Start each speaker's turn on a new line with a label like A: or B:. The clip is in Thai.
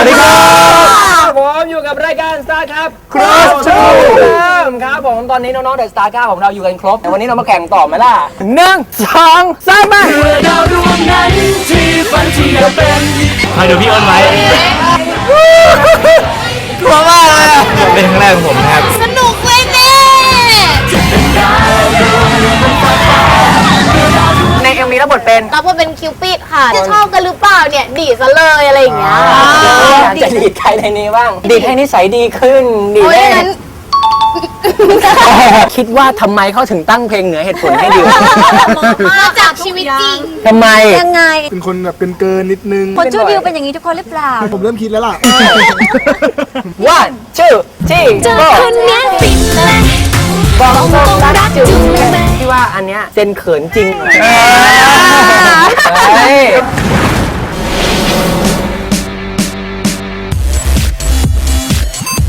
A: ดีครับ
B: ผมอยู่กับรายการ Star ครับ
A: Cross Show
B: ครับผมตอนนี้น้องๆเดอะสตาร์9ของเราอยู่กันครบแต่วันนี้เรามาแข่งต่อไหมล่ะ1 2 3มาดาวดวงนั้นที่ฝันที่จะเป็น
A: คอยดูพี่อ้นไว้กลัวมากเลยเป็นครั้งแรกของผมครับ
C: สนุกเว้ยแม่
B: ในเอ็มวีรับบทเป็น
C: รับบทเป็นคิวปิดค่ะ จะชอบกันหรือเปล่าเนี่ย ดีซะเลยอะไรอย่างเงี้ย
B: จะดีดใครในนี้บ้างดีดให้นิสัยดีขึ้นดีด
C: โอ้ย
B: ให้
C: งั้น
B: คิดว่าทำไมเขาถึงตั้งเพลงเหนือเหตุผลให้ดิว
C: มาจากชีวิตจริง
B: ทำไม
C: ยังไง
D: เป็นคนแบบเกินนิดนึง
C: คนชื่อดิวเป็นอย่างนี้ทุกคนหรือเปล่า
D: ผมเริ่มคิดแล้วล่ะ
B: One two three
C: เจอ
B: go
C: คนเนี้ยฟินเลย
B: บอกตรงรักจุ๊บที่ว่าอันเนี้ยเซนเขินจริงเฮ้ย